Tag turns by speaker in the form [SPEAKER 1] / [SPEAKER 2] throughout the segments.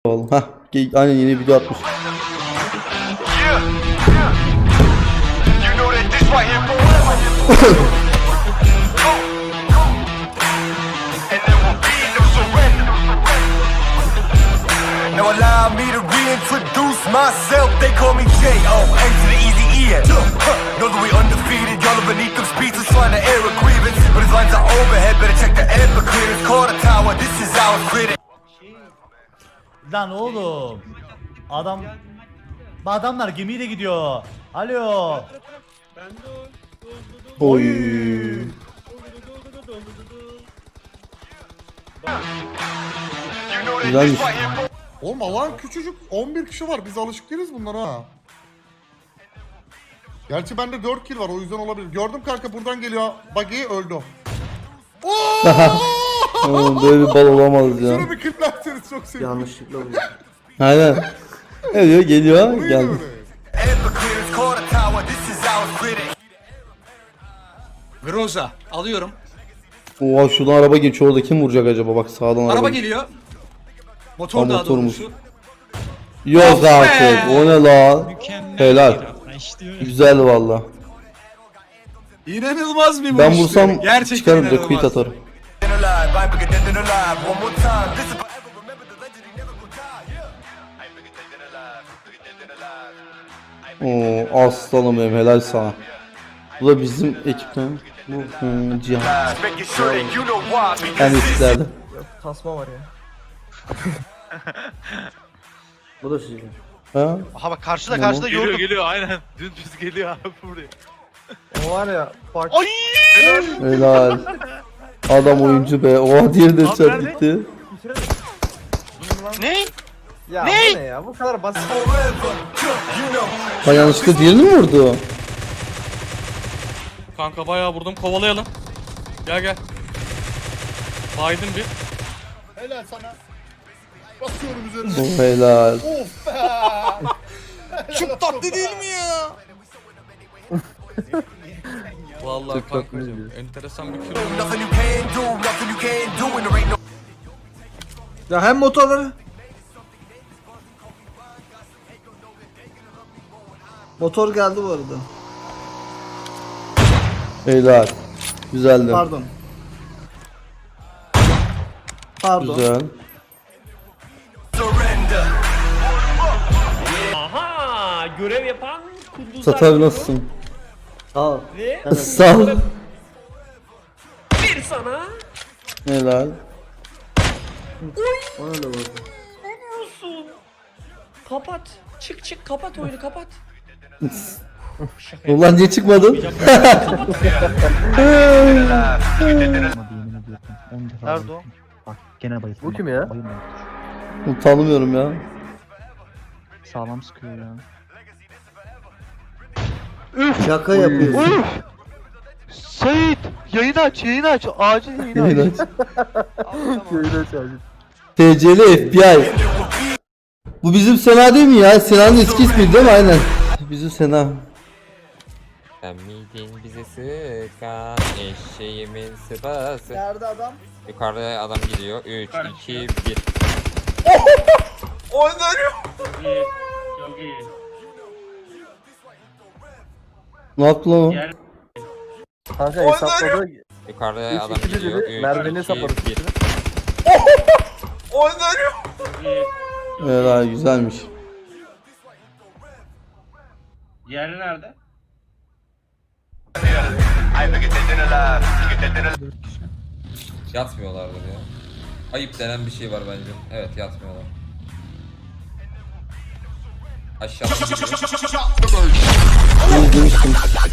[SPEAKER 1] Hah, aynen yeni video atmış.
[SPEAKER 2] Now allow me to reintroduce myself. They call me J.O. N to the easy E. Know that we undefeated. Y'all are beneath them speeches trying to air a grievance. But his lines are overhead. Better check the air for clearance. Call the tower. This is our critic.
[SPEAKER 3] Lan oğlum. Adamlar gemiyle gidiyor. Alo.
[SPEAKER 1] Oy. Güzelmiş.
[SPEAKER 4] Oğlum alan küçücük 11 kişi var. Biz alışık değiliz bunlara ha. Gerçi bende 4 kill var o yüzden olabilir. Gördüm kanka buradan geliyor. Buggy öldü.
[SPEAKER 1] Oğlum böyle bir bal olamaz ya.
[SPEAKER 4] Şunu bir kliplerseniz çok sevinirim.
[SPEAKER 5] Yanlışlıkla oldu.
[SPEAKER 1] Aynen. Ne diyor? Geliyor.
[SPEAKER 4] Neydi
[SPEAKER 1] Geldi.
[SPEAKER 4] öyle?
[SPEAKER 2] Air for clearance. Call the tower. This is our critic.
[SPEAKER 6] Groza alıyorum.
[SPEAKER 1] Oha şuradan araba geçiyor. Orada kim vuracak acaba? Bak sağdan
[SPEAKER 6] Araba
[SPEAKER 1] araba.
[SPEAKER 6] geliyor. Motor
[SPEAKER 1] Aa,
[SPEAKER 6] daha
[SPEAKER 1] motormuş.
[SPEAKER 6] doğrusu.
[SPEAKER 1] Yok
[SPEAKER 6] Of be!
[SPEAKER 1] artık. O ne lan? Helal. Güzel valla.
[SPEAKER 6] İnanılmaz bir vuruş.
[SPEAKER 1] Ben vursam
[SPEAKER 6] Gerçekten
[SPEAKER 1] çıkarım da
[SPEAKER 6] inanılmaz.
[SPEAKER 1] quit atarım.
[SPEAKER 2] Dead and alive. I'm bigger dead than alive. One more time. This is forever. Remember the legend. He never will die. Yeah. I'm bigger dead than alive. Bigger dead than alive.
[SPEAKER 1] Oo aslanım benim helal sana. Bu da bizim ekipten. Bu Cihan.
[SPEAKER 2] Making sure that you know why.
[SPEAKER 1] En
[SPEAKER 2] Because
[SPEAKER 1] üstlerde.
[SPEAKER 5] Tasma var ya. Bu da sizin.
[SPEAKER 1] Ha?
[SPEAKER 7] Aha bak karşıda
[SPEAKER 1] Tamam.
[SPEAKER 7] karşıda
[SPEAKER 8] Geliyor
[SPEAKER 7] yordum.
[SPEAKER 8] geliyor aynen. Dümdüz geliyor abi buraya.
[SPEAKER 5] O var ya fark.
[SPEAKER 7] Ay!
[SPEAKER 1] Helal. Adam oyuncu be. Oha diğeri de çarp gitti.
[SPEAKER 7] Ne?
[SPEAKER 5] Ya
[SPEAKER 7] Ne?
[SPEAKER 5] bu ne ya? Bu kadar basit.
[SPEAKER 1] Ha yanlışlıkla diğerini mi vurdu?
[SPEAKER 8] Kanka bayağı vurdum, kovalayalım. Gel gel. Baydın bir.
[SPEAKER 4] Helal sana. Basıyorum üzerine.
[SPEAKER 1] Oh, helal.
[SPEAKER 4] Of be.
[SPEAKER 6] Çok tatlı değil mi ya?
[SPEAKER 8] Vallahi kankacığım enteresan bir kilo.
[SPEAKER 2] nothing you can do. Nothing you can do. And there ain't no.
[SPEAKER 5] Ya hem motorları. Motor geldi bu arada.
[SPEAKER 1] Helal. Güzeldi.
[SPEAKER 5] Pardon. Pardon.
[SPEAKER 1] Güzel.
[SPEAKER 2] Surrender.
[SPEAKER 9] Aha, görev yapan kunduzlar.
[SPEAKER 1] Sat abi nasılsın?
[SPEAKER 5] Al.
[SPEAKER 9] Ve
[SPEAKER 1] Sağ ol.
[SPEAKER 9] bir sana.
[SPEAKER 1] Helal.
[SPEAKER 5] Ona da vurdu.
[SPEAKER 9] Ne diyorsun? Kapat. Çık kapat oyunu kapat. Şaka
[SPEAKER 1] Ulan niye çıkmadın?
[SPEAKER 7] Nerede o?
[SPEAKER 10] Gene bayıldım.
[SPEAKER 5] Bu kim ya?
[SPEAKER 1] Tanımıyorum ya.
[SPEAKER 10] Sağlam sıkıyor ya.
[SPEAKER 5] Şaka yapıyorsun.
[SPEAKER 7] Sait! Yayını aç, yayını aç. Acil yayını aç.
[SPEAKER 1] Helal.
[SPEAKER 5] Köyde çağırdı.
[SPEAKER 1] TC'li FBI. Bu bizim Sena değil mi ya? Sena'nın eski ismi değil mi? Aynen. Bizim Sena.
[SPEAKER 11] Sen miydin bize sıkan eşeğimin sıpası.
[SPEAKER 5] Nerede adam?
[SPEAKER 11] Yukarıda adam geliyor. 3, 2, 1.
[SPEAKER 9] Çok iyi.
[SPEAKER 1] Ne yaptı lan o?
[SPEAKER 5] Kanka hesapladı.
[SPEAKER 11] Yukarıda adam
[SPEAKER 5] İkili
[SPEAKER 11] geliyor.
[SPEAKER 5] dedi,
[SPEAKER 11] 3,
[SPEAKER 5] merdiveni
[SPEAKER 11] 2,
[SPEAKER 5] saparız.
[SPEAKER 11] 1.
[SPEAKER 1] Helal güzelmiş.
[SPEAKER 9] Diğeri nerede?
[SPEAKER 2] I'm bigger dead than alive. Bigger dead than alive.
[SPEAKER 11] Yatmıyorlardır ya. Ayıp denen bir şey var bence. Evet yatmıyorlar. Aşağıdan gidiyor.
[SPEAKER 1] Bunu izlemiştim.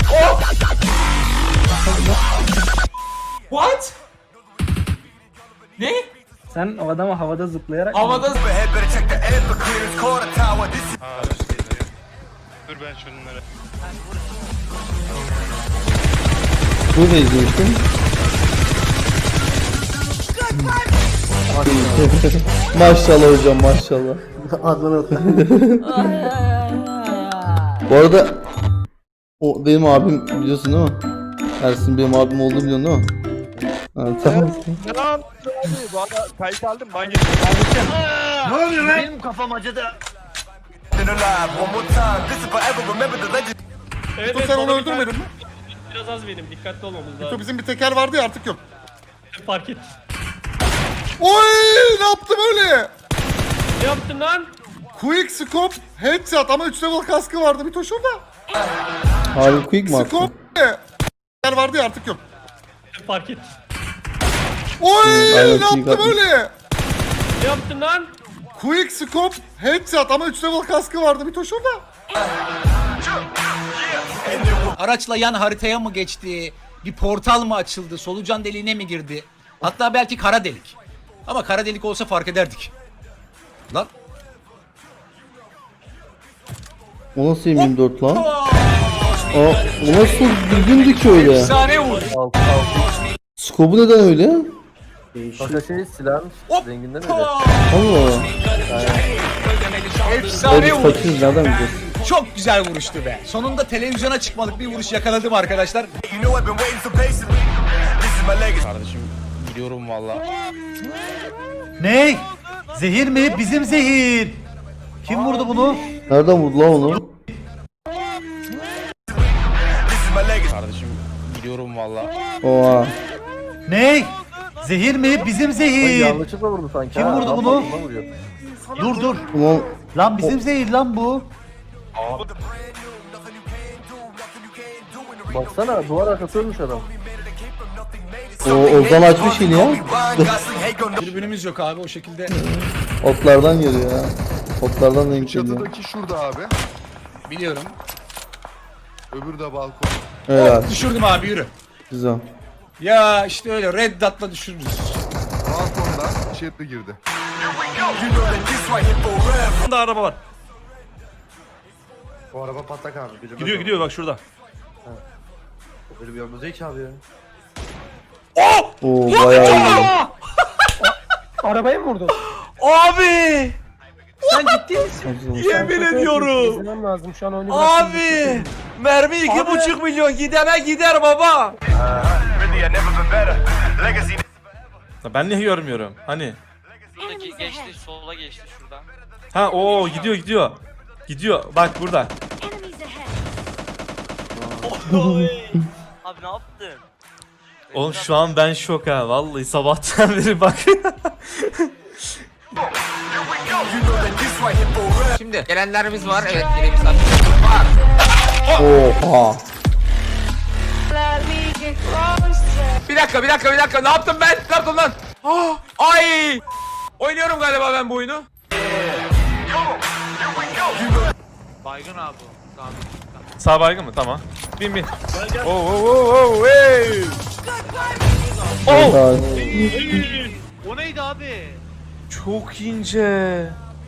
[SPEAKER 6] What? Ne?
[SPEAKER 10] Sen o adamı havada zıplayarak
[SPEAKER 6] Havada
[SPEAKER 2] Overhead. Better check the air for clearance. Call the tower. This is.
[SPEAKER 8] Dur ben şunları.
[SPEAKER 1] Bunu da izlemiştim. Maşallah hocam maşallah.
[SPEAKER 5] Adnan Atlı.
[SPEAKER 1] Bu arada o benim abim biliyorsun değil mi? Ersin benim abim olduğunu biliyorsun değil mi? Ha, tamam.
[SPEAKER 9] Benim kafam acıdı.
[SPEAKER 2] alive one more time. This is forever. Remember the legend.
[SPEAKER 9] Evet,
[SPEAKER 4] Sen onu öldürmedin mi?
[SPEAKER 9] Biraz az benim. Dikkatli olmamız
[SPEAKER 4] Mito
[SPEAKER 9] lazım.
[SPEAKER 4] bizim bir teker vardı ya artık yok.
[SPEAKER 9] Fark et.
[SPEAKER 4] Oy ne yaptım öyle?
[SPEAKER 9] Ne yaptın lan?
[SPEAKER 4] Quick scope headshot ama 3 level kaskı vardı Mito şurada.
[SPEAKER 1] Abi quick mi attın?
[SPEAKER 4] Scope teker vardı ya artık yok.
[SPEAKER 9] Fark et.
[SPEAKER 4] Oy
[SPEAKER 1] aynen,
[SPEAKER 4] ne yaptım
[SPEAKER 1] atmış.
[SPEAKER 4] öyle?
[SPEAKER 9] Ne yaptın lan?
[SPEAKER 4] Quick scope headshot ama 3 level kaskı vardı Mito şurada.
[SPEAKER 6] Araçla yan haritaya mı geçti? Bir portal mı açıldı? Solucan deliğine mi girdi? Hatta belki kara delik. Ama kara delik olsa fark ederdik. Lan.
[SPEAKER 1] O nasıl M24 lan? Aa, o nasıl düzgündü ki öyle?
[SPEAKER 6] Efsane vur.
[SPEAKER 1] Skobu neden öyle?
[SPEAKER 5] Kanka şey silahın renginden öyle.
[SPEAKER 1] Allah Allah.
[SPEAKER 6] Efsane
[SPEAKER 1] Biz
[SPEAKER 6] vur.
[SPEAKER 1] fakiriz nereden bileceğiz?
[SPEAKER 6] Çok güzel vuruştu be. Sonunda televizyona çıkmalık bir vuruş yakaladım arkadaşlar.
[SPEAKER 2] You know I've been waiting so patiently. This is my legacy.
[SPEAKER 7] Gidiyorum valla.
[SPEAKER 3] Ne? Zehir mi? Bizim zehir. Kim vurdu bunu?
[SPEAKER 1] Nereden vurdu lan onu?
[SPEAKER 2] This is my legacy.
[SPEAKER 7] Kardeşim gidiyorum valla.
[SPEAKER 1] Oha.
[SPEAKER 3] Ne? Zehir mi? Bizim zehir.
[SPEAKER 5] Yanlışlıkla vurdu sanki.
[SPEAKER 3] Kim
[SPEAKER 5] ha,
[SPEAKER 3] vurdu
[SPEAKER 5] adam
[SPEAKER 3] bunu?
[SPEAKER 5] altından vuruyor.
[SPEAKER 3] Dur dur.
[SPEAKER 1] Ulan
[SPEAKER 3] Lan bizim zehir lan bu.
[SPEAKER 5] Baksana duvar arkası ölmüş adam.
[SPEAKER 1] o Ozan açmış yine ya.
[SPEAKER 6] Tribünümüz yok abi o şekilde.
[SPEAKER 1] Otlardan geliyor ya. Otlardan denk geliyor.
[SPEAKER 4] Çatıdaki şurada abi.
[SPEAKER 6] Biliyorum.
[SPEAKER 4] Öbürü de balkon.
[SPEAKER 1] Evet
[SPEAKER 6] Düşürdüm abi yürü.
[SPEAKER 1] güzel.
[SPEAKER 6] Ya işte öyle red dot'la düşürürüz.
[SPEAKER 4] Balkonda içeri girdi.
[SPEAKER 3] Burada araba var.
[SPEAKER 5] Bu araba patlak abi.
[SPEAKER 3] Gidiyor gidiyor bak şurada.
[SPEAKER 5] Böyle bir yolda değil ki abi ya.
[SPEAKER 1] Oo bayağı iyi.
[SPEAKER 10] Arabaya mı vurdun?
[SPEAKER 3] Abi!
[SPEAKER 6] Sen ciddi misin?
[SPEAKER 3] Yemin ediyorum.
[SPEAKER 10] İzlemem lazım şu an oyunu
[SPEAKER 3] Abi! Mermi 2,5 milyon gidene gider baba.
[SPEAKER 2] Really, I never been better. Legacy.
[SPEAKER 3] Ben niye görmüyorum? Hani?
[SPEAKER 8] Şuradaki geçti, sola geçti şuradan.
[SPEAKER 3] Ha o gidiyor gidiyor. Gidiyor bak burada.
[SPEAKER 8] Abi ne yaptın?
[SPEAKER 3] Oğlum şu an ben şok ha vallahi sabahtan beri bak.
[SPEAKER 6] Şimdi gelenlerimiz var. Evet yine misafir var.
[SPEAKER 1] Oha.
[SPEAKER 6] Bir dakika. Ne yaptım ben? Ne yaptım lan? Ah, ay! Oynuyorum galiba ben bu oyunu.
[SPEAKER 8] Baygın abi o. Tamam.
[SPEAKER 3] Sağ baygın mı? Tamam. Bin. Oh, hey.
[SPEAKER 1] Oh.
[SPEAKER 8] O neydi abi?
[SPEAKER 3] Çok ince.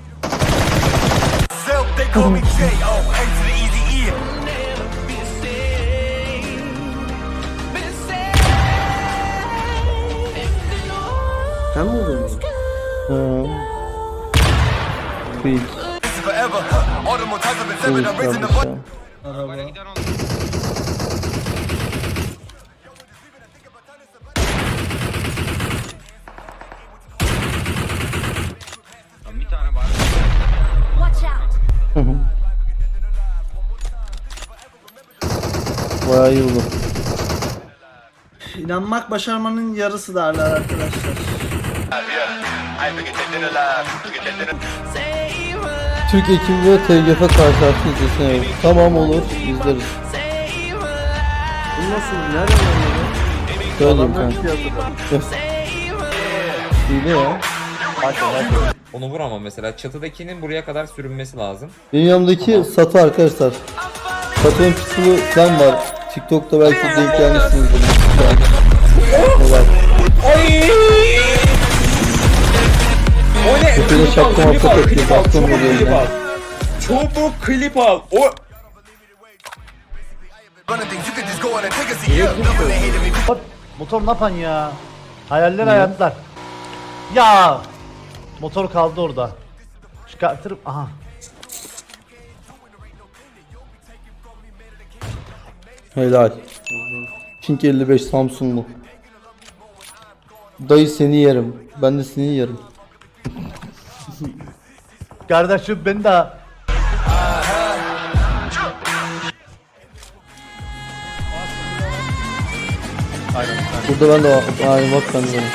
[SPEAKER 2] Self, they call me J.O. M to the easy E.
[SPEAKER 5] Sen mi vurdun bunu?
[SPEAKER 1] Quick.
[SPEAKER 2] This is forever. All the more times I've been seven, I'm raising the
[SPEAKER 1] Quick
[SPEAKER 2] bar.
[SPEAKER 6] Arabaya giden oldu. Bir tane var.
[SPEAKER 1] Bayağı iyi oldu.
[SPEAKER 10] İnanmak başarmanın yarısı derler arkadaşlar.
[SPEAKER 1] Türk ekibi ve TGF karşılaştı izlesin. Tamam olur izleriz.
[SPEAKER 5] Bu nasıl? Nereden anladın?
[SPEAKER 1] Söyleyeyim
[SPEAKER 5] Adamlar
[SPEAKER 1] kanka.
[SPEAKER 5] piyasada.
[SPEAKER 1] İyi ya.
[SPEAKER 11] Onu vuramam mesela. Çatıdakinin buraya kadar sürünmesi lazım.
[SPEAKER 1] Benim yanımdaki Satı arkadaşlar. Satı'nın pistolu falan var. TikTok'ta belki denk gelmişsinizdir. Evet.
[SPEAKER 6] O ne?
[SPEAKER 1] Tepede şapka mapka takıyor. Baktım buraya.
[SPEAKER 6] Çabuk klip al. O
[SPEAKER 2] Running things, you could just go on and take a seat. Yeah, nobody hated me.
[SPEAKER 3] Motor ne yapan ya? Hayaller hayatlar. Ya! Motor kaldı orada. Çıkartırım. Aha.
[SPEAKER 1] Helal. Pink 55 Samsung'lu. Dayı seni yerim. Ben de seni yerim.
[SPEAKER 3] Kardeşim ben de.
[SPEAKER 1] Burada ben de var. Aynen bak ben de.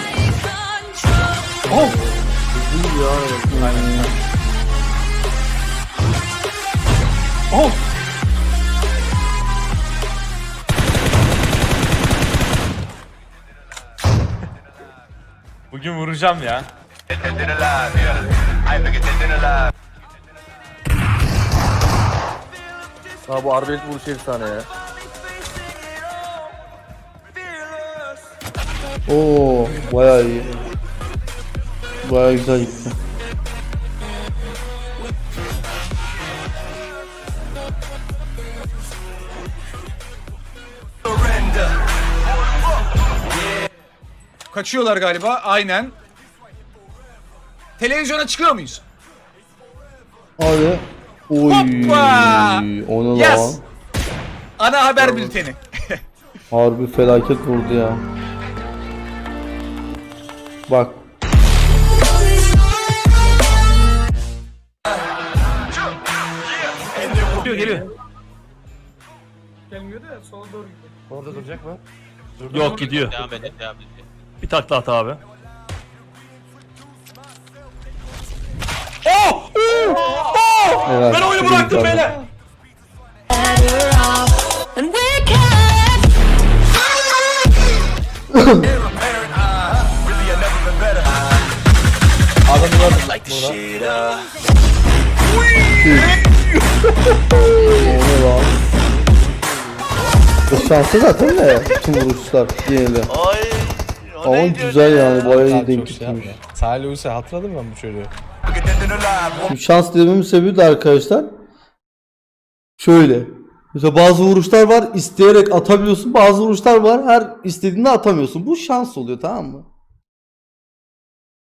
[SPEAKER 8] Bugün vuracağım ya.
[SPEAKER 5] Ha bu arbelet vuruşu efsane ya.
[SPEAKER 1] Oo, bayağı iyi. Bayağı güzel gitti.
[SPEAKER 6] Kaçıyorlar galiba. Aynen. Televizyona çıkıyor muyuz?
[SPEAKER 1] Hadi. Oy.
[SPEAKER 6] Hoppa!
[SPEAKER 1] O ne lan?
[SPEAKER 6] Yes! Ana haber bülteni.
[SPEAKER 1] Harbi felaket vurdu ya. Bak.
[SPEAKER 8] Geliyor.
[SPEAKER 10] Gelmiyor da sola doğru gidiyor.
[SPEAKER 3] Orada duracak mı?
[SPEAKER 8] Yok gidiyor.
[SPEAKER 9] Devam edin, devam edin.
[SPEAKER 8] Bir takla at abi.
[SPEAKER 1] Evet,
[SPEAKER 8] Ben oyunu
[SPEAKER 1] çok
[SPEAKER 8] bıraktım
[SPEAKER 1] güzel.
[SPEAKER 8] beyler.
[SPEAKER 1] O ne lan? O şansı zaten de bütün vuruşlar diyelim. Ama güzel yani bayağı iyi denk gitmiş.
[SPEAKER 7] Salih Use hatırladım ben bu çocuğu.
[SPEAKER 1] Şimdi şans dememin sebebi de arkadaşlar şöyle. Mesela bazı vuruşlar var isteyerek atabiliyorsun, bazı vuruşlar var her istediğinde atamıyorsun. Bu şans oluyor, tamam mı?